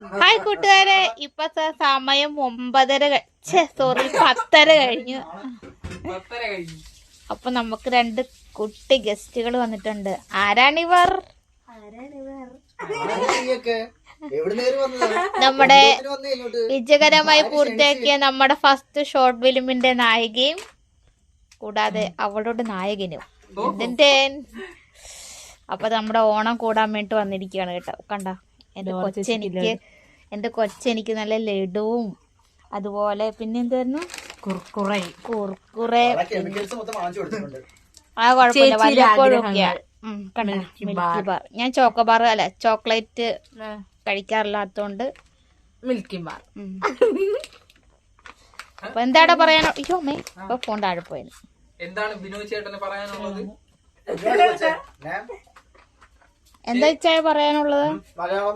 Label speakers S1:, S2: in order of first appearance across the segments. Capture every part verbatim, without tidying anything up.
S1: Hi കൂട്ടുകാരെ, ഇപ്പത്തെ സമയം ഒമ്പതര സോറി പത്തര കഴിഞ്ഞു. അപ്പൊ നമുക്ക് രണ്ട് കുട്ടി ഗസ്റ്റുകൾ വന്നിട്ടുണ്ട്. ആരാണിവർ? നമ്മുടെ വിജയകരമായി പൂർത്തിയാക്കിയ നമ്മുടെ ഫസ്റ്റ് ഷോർട്ട് ഫിലിമിന്റെ നായികയും കൂടാതെ അവളുടെ നായകനും. അപ്പൊ നമ്മുടെ ഓണം കൂടാൻ വേണ്ടി വന്നിരിക്കുകയാണ് കേട്ടോ. കണ്ട എന്റെ കൊച്ചെനിക്ക് എന്റെ കൊച്ചെനിക്ക് നല്ല ലഡുവും അതുപോലെ പിന്നെ എന്തായിരുന്നു കുർക്കുറേ കുർക്കുറേ ആ കുഴപ്പമില്ല വല്ലപ്പോഴൊക്കെയാ. മിൽക്കി ബാർ ഞാൻ ചോക്കോബാർ അല്ല ചോക്ലേറ്റ് കഴിക്കാറില്ലാത്തോണ്ട്
S2: മിൽക്കി ബാർ.
S1: അപ്പൊ എന്താടാ പറയാനോ? അയ്യോ അമ്മേ ഇപ്പൊ ഫോൺ താഴെ പോയത്.
S3: എന്താണ് ബിനോയ് ചേട്ടന് പറയാനുള്ളത്?
S1: എന്താ വെച്ചാ പറയാനുള്ളത്?
S4: മലയാളം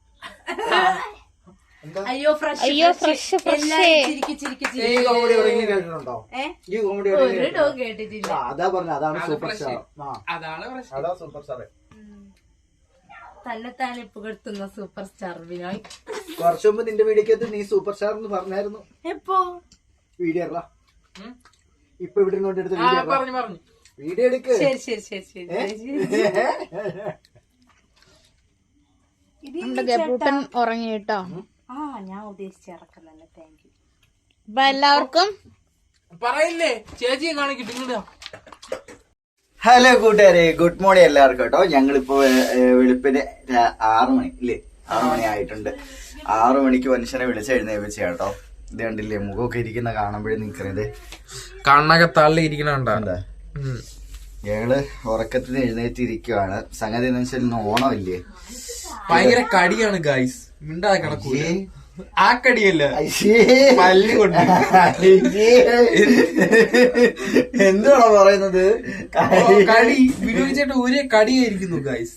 S2: അയ്യോ ഫ്രഷ്
S1: അയ്യോ ഫ്രഷ് ഫ്രഷ്
S4: ഈ കോമഡി എവിടെയെങ്കിലും കേട്ടിട്ടുണ്ടോ? ഈ കോമഡി
S2: ഒരു കേട്ടിട്ടില്ല.
S4: അതാ പറഞ്ഞ അതാണ് സൂപ്പർ സ്റ്റാർ.
S3: അതാണ് പ്രശ്നം.
S4: അതാ സൂപ്പർ സ്റ്റാർ.
S2: തന്നെത്താനെ പുകഴ്ത്തുന്ന സൂപ്പർ സ്റ്റാർ ബിനോയ്.
S4: കുറച്ചു മുമ്പ് നിന്റെ വീഡിയോക്കകത്ത് നീ സൂപ്പർ സ്റ്റാർ എന്ന് പറഞ്ഞായിരുന്നു.
S2: എപ്പോ
S4: വീഡിയോ ഇപ്പൊ ഇവിടെ കൊണ്ടെടുത്ത വീഡിയോ
S3: പറഞ്ഞു പറഞ്ഞു
S4: വീഡിയോ എടുക്ക്.
S2: ശരി ശരി ശരി ശരി
S1: നമ്മുടെ ഗബ്രൂട്ടൻ ഉറങ്ങി കേട്ടോ.
S2: ആ ഞാൻ ഉദ്ദേശിച്ച ഇറക്കുന്നല്ലേ. Thank you.
S1: അപ്പൊ എല്ലാവർക്കും
S3: പറയില്ലേ ചേച്ചിയെ കാണിക്കിട്ട് ഇങ്ങോട്ടാ.
S4: ഹലോ കൂട്ടുകാരെ, ഗുഡ് മോർണിംഗ് എല്ലാവർക്കും കേട്ടോ. ഞങ്ങളിപ്പോ വെളുപ്പിന് ആറു മണി ഇല്ലേ ആറു മണി ആയിട്ടുണ്ട്. ആറു മണിക്ക് മനുഷ്യനെ വിളിച്ചെഴുന്നേപ്പിച്ച കേട്ടോ. ഇത് കണ്ടില്ലേ മുഖമൊക്കെ ഇരിക്കുന്ന കാണുമ്പോഴേ നിക്കുന്നത്
S3: കണ്ണൊക്കെ തള്ളി ഇരിക്കണ
S4: എന്താ. ഞങ്ങള് ഉറക്കത്തിന് എഴുന്നേറ്റിരിക്കുവാണ്. സംഗതി എന്ന് വെച്ചാൽ ഇന്ന് ഓണമില്ലേ,
S3: ഭയങ്കര കടിയാണ് ഗൈസ്. മിണ്ടാതെ കിടക്കൂലേ ആ കടിയല്ല പല്ല് കൊണ്ട്.
S4: എന്തുവാണോ പറയുന്നത്?
S3: കടി ബിനോയ് ചേട്ടൻ ഒരേ കടിയായിരിക്കുന്നു ഗൈസ്.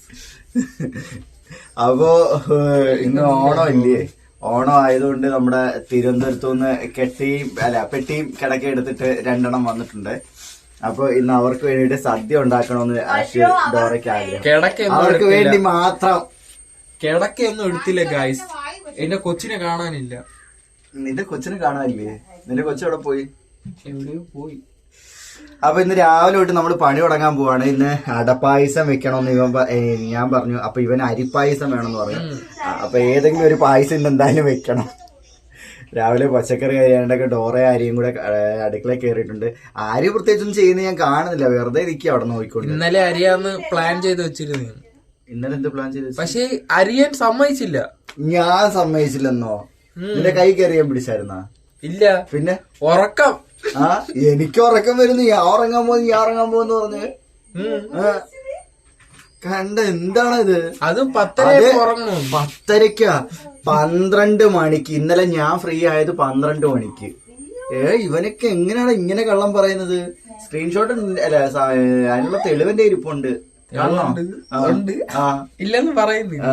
S4: അപ്പോ ഇന്ന് ഓണമില്ലേ, ഓണം ആയതുകൊണ്ട് നമ്മുടെ തിരുവനന്തപുരത്തു നിന്ന് കെട്ടിയും അല്ല പെട്ടിയും കിടക്ക എടുത്തിട്ട് രണ്ടെണ്ണം വന്നിട്ടുണ്ട്. അപ്പൊ ഇന്ന് അവർക്ക് വേണ്ടിട്ട് സദ്യ ഉണ്ടാക്കണമെന്ന് ആശയ ഡോറയ്ക്ക് ആഗ്രഹം. അവർക്ക് വേണ്ടി മാത്രം.
S3: കിടക്കൊന്നും എടുത്തില്ല ഗൈസ്. എന്റെ കൊച്ചിനെ കാണാനില്ല.
S4: നിന്റെ കൊച്ചിനെ കാണാനില്ലേ? നിന്റെ കൊച്ചെവിടെ പോയി?
S3: എവിടെയോ പോയി.
S4: അപ്പൊ ഇന്ന് രാവിലെ തൊട്ട് നമ്മൾ പണി തുടങ്ങാൻ പോവാണ്. ഇന്ന് അടപ്പായസം വെക്കണമെന്ന് ഇവൻ ഞാൻ പറഞ്ഞു. അപ്പൊ ഇവൻ അരിപ്പായസം വേണമെന്ന് പറഞ്ഞു. അപ്പൊ ഏതെങ്കിലും ഒരു പായസം ഇന്ന് എന്തായാലും വെക്കണം. രാവിലെ പച്ചക്കറി അരിയാണ്ടൊക്കെ ഡോറ അരിയും കൂടെ അടുക്കളയിൽ കയറിയിട്ടുണ്ട്. ആര് പ്രത്യേകിച്ചൊന്നും ചെയ്യുന്നത് ഞാൻ കാണുന്നില്ല, വെറുതെ ഇരിക്കുക അവിടെ നോക്കിക്കൊണ്ട്.
S3: ഇന്നലെ അരിയാന്ന് പ്ലാൻ ചെയ്ത് വെച്ചിരുന്നു.
S4: ഇന്നലെ എന്ത് പ്ലാൻ ചെയ്ത്?
S3: പക്ഷെ അരിയാൻ സമ്മതിച്ചില്ല.
S4: ഞാൻ സമ്മതിച്ചില്ലെന്നോ? നിന്റെ കൈ കയറിയാൻ പിടിച്ചായിരുന്നാ?
S3: ഇല്ല.
S4: പിന്നെ
S3: ഉറക്കം.
S4: ആ എനിക്ക് ഉറക്കം വരുന്നു. ഞാൻ ഉറങ്ങാൻ പോകുന്നു ഞാൻ ഉറങ്ങാൻ പോകുന്നു പറഞ്ഞ് കണ്ട. എന്താണ് ഇത്?
S3: അതും പത്തര ഉറങ്ങണം.
S4: പത്തരക്കാ പന്ത്രണ്ട് മണിക്ക്. ഇന്നലെ ഞാൻ ഫ്രീ ആയത് പന്ത്രണ്ട് മണിക്ക്. ഏ ഇവനൊക്കെ എങ്ങനെയാണ് ഇങ്ങനെ കള്ളം പറയുന്നത്? സ്ക്രീൻഷോട്ട് അല്ല അതിനുള്ള തെളിവിന്റെ ഇരിപ്പുണ്ട്.
S3: ഇല്ലെന്ന് പറയുന്നില്ല.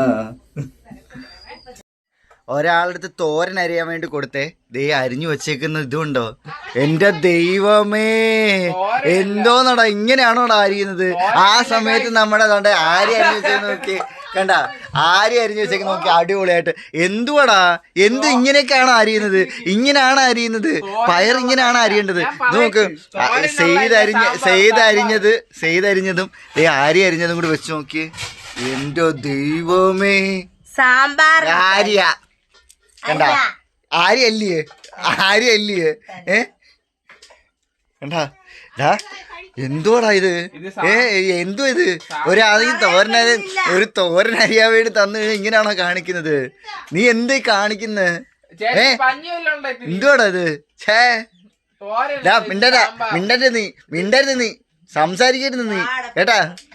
S4: ഒരാളുടെ അടുത്ത് തോരൻ അരിയാൻ വേണ്ടി കൊടുത്തേ. ദേ അരിഞ്ഞു വെച്ചേക്കുന്ന ഇതുണ്ടോ? എന്റെ ദൈവമേ, എന്തോന്നടാ ഇങ്ങനെയാണോടാ അരിയുന്നത്? ആ സമയത്ത് നമ്മുടെ ആരി അരിഞ്ഞു വെച്ചേക്ക് നോക്കി. കണ്ട ആരി അരിഞ്ഞു വെച്ചേക്ക് നോക്കി, അടിപൊളിയായിട്ട്. എന്തുവാടാ എന്ത് ഇങ്ങനെയൊക്കെയാണോ അരിയുന്നത്? ഇങ്ങനെയാണ് അരിയുന്നത്. പയർ ഇങ്ങനെയാണ് അരിയേണ്ടത്. നോക്ക്, സെയ്ത് അരിഞ്ഞ സെയ്ത് അരിഞ്ഞത് സെയ്ത് അരിഞ്ഞതും ദേ ആരി അരിഞ്ഞതും കൂടി വെച്ച് നോക്കി. എന്റെ ദൈവമേ,
S2: സാമ്പാർ
S4: ആര്യ കണ്ട ആര്യ അല്ലേ ആര്യ അല്ലേ ഏ കണ്ടാ എന്തുവാടാ ഇത്? ഏ എന്തോ ഇത്? ഒരാളെങ്കിൽ തോരന ഒരു തോരൻ അരിയാൻ വേണ്ടി തന്നു കഴിഞ്ഞാൽ ഇങ്ങനെയാണോ കാണിക്കുന്നത്? നീ എന്ത് കാണിക്കുന്നത്? ഏ എന്തുവാടാ ഇത്? ഛേ മിണ്ടടാ മിണ്ടരുത് നീ മിണ്ടരുത് നീ സംസാരിക്കരുത് നീ കേട്ടാ.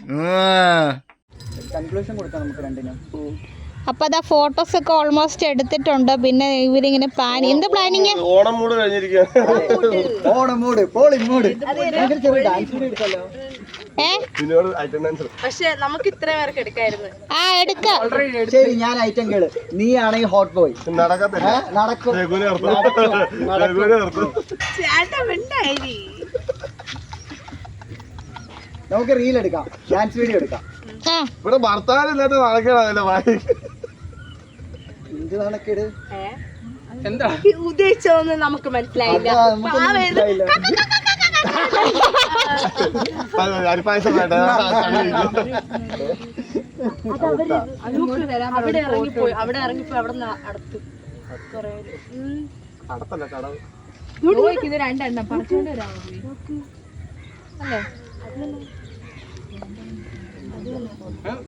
S4: കൺക്ലൂഷൻ കൊടുക്കാം നമുക്ക് രണ്ടിനും.
S1: അപ്പൊ അതാ ഫോട്ടോസ് ഒക്കെ ഓൾമോസ്റ്റ് എടുത്തിട്ടുണ്ട്. പിന്നെ ഇവരിങ്ങനെ പ്ലാൻ എന്ത് പ്ലാനിങ്?
S5: ഓണം മൂട് കഴിഞ്ഞിരിക്കുക.
S4: ഓണം മൂട് പോളി മൂട്.
S2: പക്ഷെ നമുക്ക് ഇത്ര പേർക്ക് എടുക്കായിരുന്നു.
S1: ആ എടുക്കാം.
S4: ശരി ഞാൻ ഐറ്റം കേള്. നീ ആണെങ്കിൽ ഹോട്ട് ബോയ്.
S5: നടക്കത്തില്ല.
S4: നടക്കും. നമുക്ക് റീൽ എടുക്കാം, ഡാൻസ് വീഡിയോ എടുക്കാം.
S5: ഇവിടെ ഭർത്താവില്ലാത്ത നടക്കണ
S4: എന്ത് നാണക്കേട്?
S3: എന്താ
S2: ഉദ്ദേശിച്ചതൊന്നും നമുക്ക് മനസ്സിലായില്ല.
S4: അതാ, നമുക്കൊന്നും മനസ്സിലായില്ല.
S5: അരിപ്പായസം വേണ്ട.
S2: അവിടെ ഇറങ്ങിപ്പോയി അവിടെ ഇറങ്ങിപ്പോയി അവിടെ നിന്ന് അടുത്ത് കൊറേ
S5: കടത്തല്ല കടവ്.
S2: ഇത് രണ്ടെണ്ണം പറിച്ചോണ്ട് വരാമോ അല്ലേ?